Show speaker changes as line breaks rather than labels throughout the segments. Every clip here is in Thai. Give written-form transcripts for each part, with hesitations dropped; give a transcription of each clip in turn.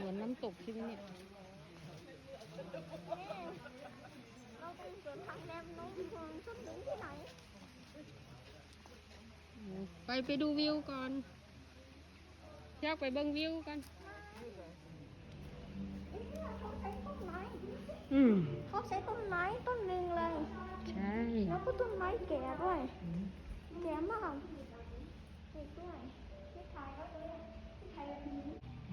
มือนน้ำตกใช่ไหมเนี่ย
เราต้องเกิดทางแรมน้องเมืองชุดหนึ่งที่ไหน
ไปดูวิวก่อนอยากไปเบิ่งวิวกัน
เขาใช้ต้นไม้
อืม
เขาใช้ต้นไม้ต้นหนึ่งเลย
ใช่
แล้วก็ต้นไม้แก่ด้วยแก่มากเด็กด้วยที่ถ่ายแล้วเลยที่ถ่ายแบบนี้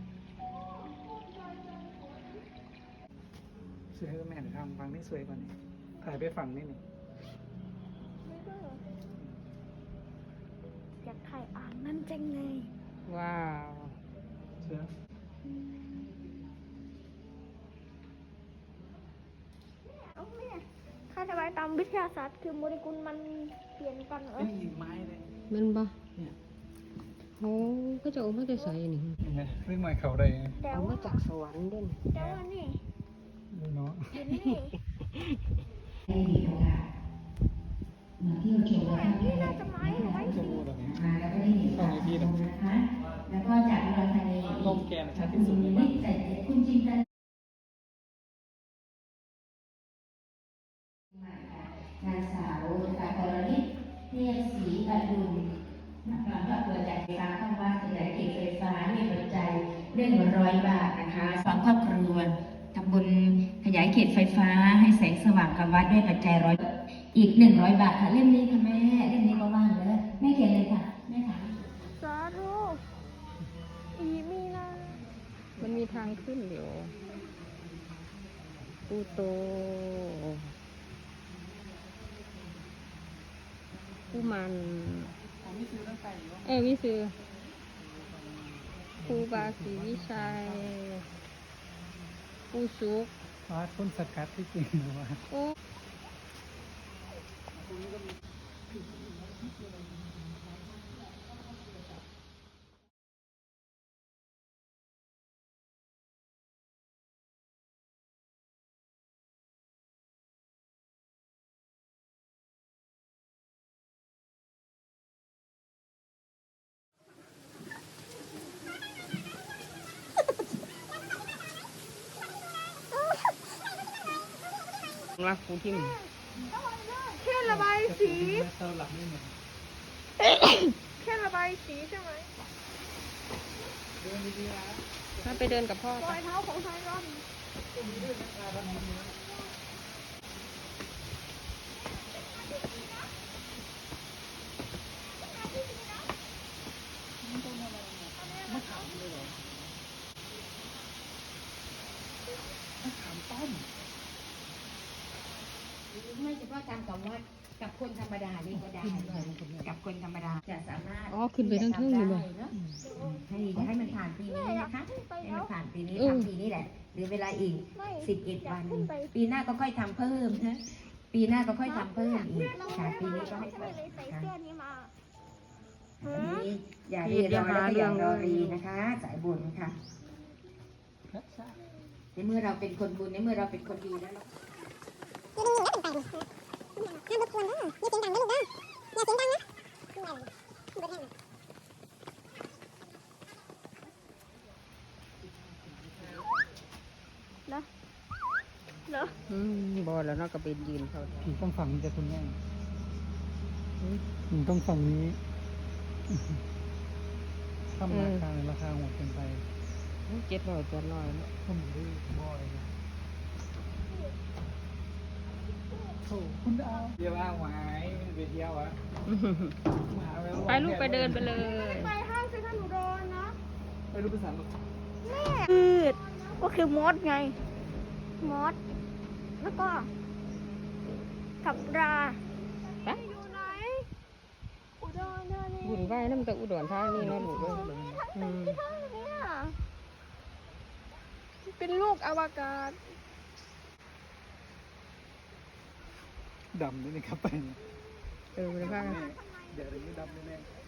สวยก็แม่นทำฝั่งนี้สวยกว่านี้ถ่ายไปฝั่งนี้นี่
ไม่เบื่ออยากถ่ายอ่างนั่นจังเลย
ว้าว
เชื่อ
เอาแม่ค่าทำไมตามวิทยาศาสตร์คือโมเลกุลมันเปลี่ยนกันเหรอ
เป็นหินไม้เลย
มันบ่
เนี่ย
โอ้ก็จะเอามาแต่ใส่นี่
เห็นไหมเรื่องใหม่เขาได้
แต่
เอามา
ว่า
จากสวรรค์เด่น
แต่ว่านี่
ดูเนาะ
เห็นนี่
ได้มีโอกาสมาเที่ยวชม
แต่นี่น่าจะไม้ไม้
จะ
สี
พูดแบบนี้
มาแล้วก็ได้เห็น
ต้องให้พี่นะ
นะคะ แล้วก็จากอุดรธานี
ลมแกนชัดที่สุดในบ้าน
คุณจินตนนางสาวกากรณิตเทพศรีอดุลการประกวดจากไฟฟ้าข้างบ้านขยายเขตไฟฟ้ามีปัจจัย100 บาทนะคะฝังครอบครัวทำบุญขยายเขตไฟฟ้าให้แสงสว่างกับวัดด้วยปัจจัยอีก100 บาทค่ะเล่มนี้ค่ะแม่เล่มนี้ก็ว่างเลยแม่เขียนเลยค่ะแม่ถาม
สาธุอีมีนา
มันมีทางขึ้นเดี๋ยวปูโตปูมันวิซื้อปูบาศรีวิชัยปูซุก
ว่าต้นสกัดที่จริงหรือว่า
โอ้ รักปูทิม
แค่ระบายสี
เตาหลักไม่เหมือน
แค่ระบายสีใช่ไหม
เดินดีๆนะ
ถ้าไปเดินกับพ่อ
ร
ไป
อยเท้าของไทรอน
ไม่เฉพาะทำกับวัดกับคนธรรมดานี่ก็ได้กับคนธรรมดาจะสามารถ
อ๋อขึ้นไปทั้งเทิงอยู่บ่
เนาะให้มันผ่านปีนี้นะคะให้มันผ่านปีนี้
เออ
ทำปีนี้แหละหรือเวลาอีก11 วัน
ขึ้นไป
ปีหน้าก็ค่อยทำเพิ่มนะปีหน้าก็ค่อยทำเพิ่มอีกค่ะปีนี้ก็ให้
ทำไม
เพิ่ม
เลยใส่
ค่ะ
เสื้อนี้มา
อันนี้อย่ารีรอและก็อย่ารอรีนะคะสายบุญค่ะในเมื่อเราเป็นคนบุญในเมื่อเราเป็นคนดีแล้ว
ห้ามรบกวนนะอย่าเสียงดังนะลูกนะอย่าเสียงดังนะเหรอเหรอ
บอแล้วเนาะก็ไปยืนเขา
ผีต้องฝั่งนี้จะคุณแม่ผีต้องฝั่งนี้ถ้าราคาโหดเกินไป
700ตัวน้อยเนาะ
ผมดูบ่อยนะโอ้คุณดาวเดี๋ยวอ้างไว้ไปเที่ยวอะ
ไปลูกไปเดินไปเลย
ไปห้างเซ็นทรัลอุดรนะ
ไปรู้ภาษาลูก
แม่พืชก็คือมดไง มด แล้วก็กับรา
ไป
อยู่ไหน อุดรธานี
บุญไหว้น้ำตะอุดรธานีเนาะลูกเอ้ย
ทั้งที่ทั้งเนี่ยเป็นลูกอวกาศ
ดำนี่นะครับไป
ไปพากัน
เดี๋ยวนี้ดำแน่ๆ